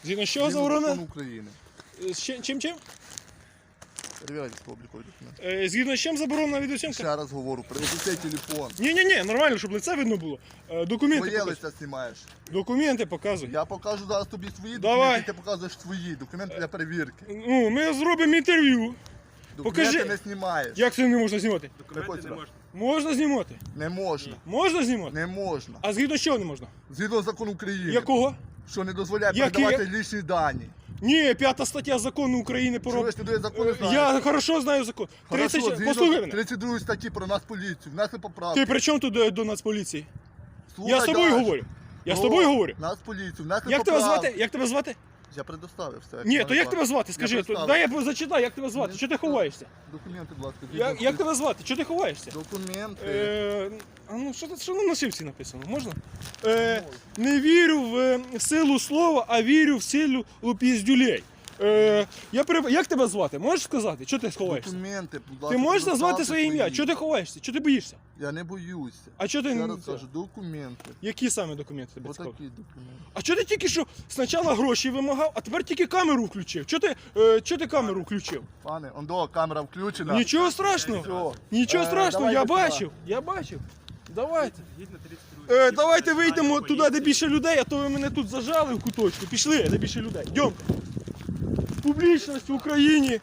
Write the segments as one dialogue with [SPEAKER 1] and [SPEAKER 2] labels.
[SPEAKER 1] Згідно з чого заборонено?
[SPEAKER 2] Закон України.
[SPEAKER 1] Чим?
[SPEAKER 2] Перевіряйте облікові документи.
[SPEAKER 1] Згідно з чим заборонена відеосйомка?
[SPEAKER 2] Ще раз говорю, принесіть телефон.
[SPEAKER 1] Ні, нормально, щоб лице видно було. Документи
[SPEAKER 2] Твоє
[SPEAKER 1] показуй.
[SPEAKER 2] лице знімаєш.
[SPEAKER 1] Документи показуй.
[SPEAKER 2] Я покажу зараз тобі свої
[SPEAKER 1] Давай.
[SPEAKER 2] документи, ти показуєш свої документи для перевірки.
[SPEAKER 1] Ну, ми зробимо інтерв'ю.
[SPEAKER 2] Документи
[SPEAKER 1] Покажи.
[SPEAKER 2] не знімаєш.
[SPEAKER 1] Як це не можна знімати?
[SPEAKER 2] Документи не можна.
[SPEAKER 1] Можна знімати.
[SPEAKER 2] Не можна.
[SPEAKER 1] Можна знімати?
[SPEAKER 2] Не можна.
[SPEAKER 1] А згідно з чого не можна?
[SPEAKER 2] Згідно закону України.
[SPEAKER 1] Якого?
[SPEAKER 2] Що не дозволяє
[SPEAKER 1] Який?
[SPEAKER 2] передавати лічні дані.
[SPEAKER 1] Ні, 5 стаття закону України про...
[SPEAKER 2] Чуєш, ти до закону знаєш?
[SPEAKER 1] Я хорошо знаю закон.
[SPEAKER 2] Хорошо,
[SPEAKER 1] 30...
[SPEAKER 2] згідно
[SPEAKER 1] Послухай мене.
[SPEAKER 2] 32 статті про нас поліцію. Внесли поправки.
[SPEAKER 1] Ти при чому тут до Нацполіції?
[SPEAKER 2] Слухай
[SPEAKER 1] Я з тобою
[SPEAKER 2] далі.
[SPEAKER 1] говорю. Я з
[SPEAKER 2] О,
[SPEAKER 1] тобою говорю.
[SPEAKER 2] Нас поліцію. Внесли
[SPEAKER 1] Як тебе
[SPEAKER 2] поправки.
[SPEAKER 1] звати? Як тебе звати?
[SPEAKER 2] Я предоставив все.
[SPEAKER 1] Ні, то як тебе звати? Скажи,
[SPEAKER 2] представив.
[SPEAKER 1] дай я зачитаю, як тебе звати? Чого ти ховаєшся?
[SPEAKER 2] Документи, будь ласка.
[SPEAKER 1] Як тебе звати? Чого ти ховаєшся?
[SPEAKER 2] Документи.
[SPEAKER 1] А ну що на нашивці написано? Можна? Не вірю в силу слова, а вірю в силу піздюлей. Як тебе звати? Можеш сказати? Чого ти ховаєшся?
[SPEAKER 2] Документи, будь ласка.
[SPEAKER 1] Ти можеш назвати
[SPEAKER 2] предоставте
[SPEAKER 1] своє ім'я?
[SPEAKER 2] свої.
[SPEAKER 1] Чого ти ховаєшся? Чого ти боїшся?
[SPEAKER 2] Я не боюся.
[SPEAKER 1] А чого ти
[SPEAKER 2] Я
[SPEAKER 1] не...
[SPEAKER 2] розкажу, документи.
[SPEAKER 1] Які саме документи тебе цікавлять?
[SPEAKER 2] Отакі документи.
[SPEAKER 1] А чого ти тільки що спочатку гроші вимагав, а тепер тільки камеру включив? Чого ти камеру включив?
[SPEAKER 2] Пане, ондо, камера включена.
[SPEAKER 1] Нічого страшного.
[SPEAKER 2] Все.
[SPEAKER 1] Нічого страшного,
[SPEAKER 2] давайте
[SPEAKER 1] я бачив. Давайте. Давайте вийдемо туди, де більше людей, а то ви мене тут зажали в куточку. Пішли, де більше людей. Йдемте. Публічність в Україні.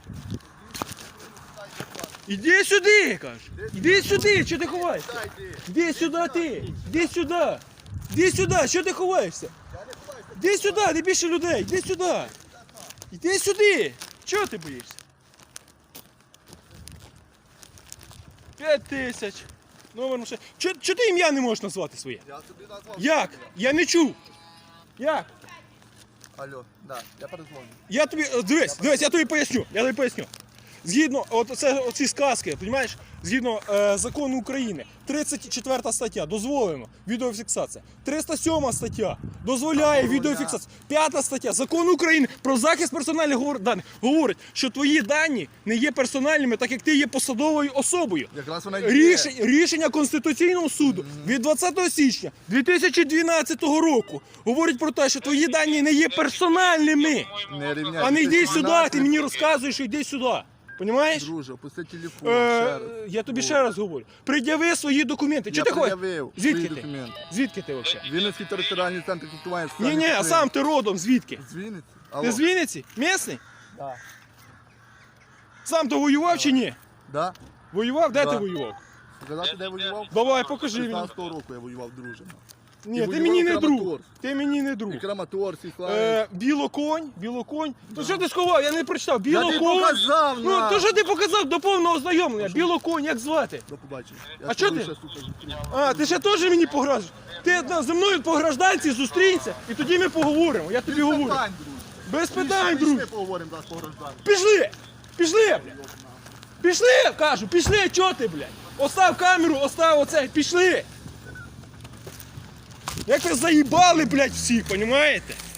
[SPEAKER 1] Іди сюди, я кажу. Іди сюди, що ти ховаєшся? Іди сюди ти. Іди сюди. Іди сюди, що ти ховаєшся? Іди сюди, де більше людей. Іди сюди. Іди сюди. Чого ти боїшся? 5000. Номер машини. Чого ти ім'я не можеш назвати своє?
[SPEAKER 2] Я тобі назвав.
[SPEAKER 1] Як? Я не чув. Як?
[SPEAKER 2] Алло, да, я перезвоню.
[SPEAKER 1] Я тобі, дивись, я тобі поясню. Згідно, оці сказки, розумієш, згідно закону України, 34 стаття, дозволено відеофіксація. 307 стаття, дозволяє відеофіксація. 5 стаття, закон України про захист персональних даних говорить, що твої дані не є персональними, так як ти є посадовою особою.
[SPEAKER 2] Якраз вона є.
[SPEAKER 1] Рішення Конституційного суду від 20 січня 2012 року говорить про те, що твої дані не є персональними.
[SPEAKER 2] Не рівняйся.
[SPEAKER 1] А не йди сюди, ти мені розказуєш, що йди сюди. Понімаєш?
[SPEAKER 2] Друже, опусти телефон, ще раз.
[SPEAKER 1] Я тобі ще раз говорю. Пред'яви свої документи. Чого ти ходиш?
[SPEAKER 2] пред'явив
[SPEAKER 1] Звідки
[SPEAKER 2] свої
[SPEAKER 1] ти?
[SPEAKER 2] документи.
[SPEAKER 1] Звідки ти взагалі?
[SPEAKER 2] Вінницький територіальний центр комплектування.
[SPEAKER 1] Ні, а сам ти родом, звідки?
[SPEAKER 2] З Вінниці.
[SPEAKER 1] Ти з Вінниці? Місний?
[SPEAKER 2] Да.
[SPEAKER 1] Сам ти воював чи ні?
[SPEAKER 2] Да?
[SPEAKER 1] Воював? Де
[SPEAKER 2] Да.
[SPEAKER 1] ти воював?
[SPEAKER 2] Показати, де воював?
[SPEAKER 1] Давай, покажи мені.
[SPEAKER 2] 16-го року я воював, друже.
[SPEAKER 1] Ні,
[SPEAKER 2] І
[SPEAKER 1] ти
[SPEAKER 2] воював
[SPEAKER 1] мені не
[SPEAKER 2] Краматорськ.
[SPEAKER 1] друг. Ти мені не друг.
[SPEAKER 2] І Краматорськ, і Славянськ.
[SPEAKER 1] Білоконь. То що ти сховав? Я не прочитав.
[SPEAKER 2] Я тобі
[SPEAKER 1] Білоконь.
[SPEAKER 2] показав,
[SPEAKER 1] Ну,
[SPEAKER 2] на!
[SPEAKER 1] то що ти показав до повного ознайомлення? Білоконь, як звати?
[SPEAKER 2] До побачення. Я
[SPEAKER 1] А
[SPEAKER 2] з
[SPEAKER 1] чого
[SPEAKER 2] тобою
[SPEAKER 1] ти?
[SPEAKER 2] ще, сука, зустрінусь.
[SPEAKER 1] А, ти ще теж мені погрожуєш? Ти зі мною по гражданці зустрінься, і тоді ми поговоримо. Я тобі
[SPEAKER 2] Без
[SPEAKER 1] говорю.
[SPEAKER 2] питань, друже.
[SPEAKER 1] Без питань, друг.
[SPEAKER 2] Пішли поговоримо зараз по гражданці.
[SPEAKER 1] Пішли, блядь. Пішли, кажу, пішли, чого ти, блядь? Остав камеру, остав оце, пішли. Як ви заїбали, блядь, всіх, понімаєте?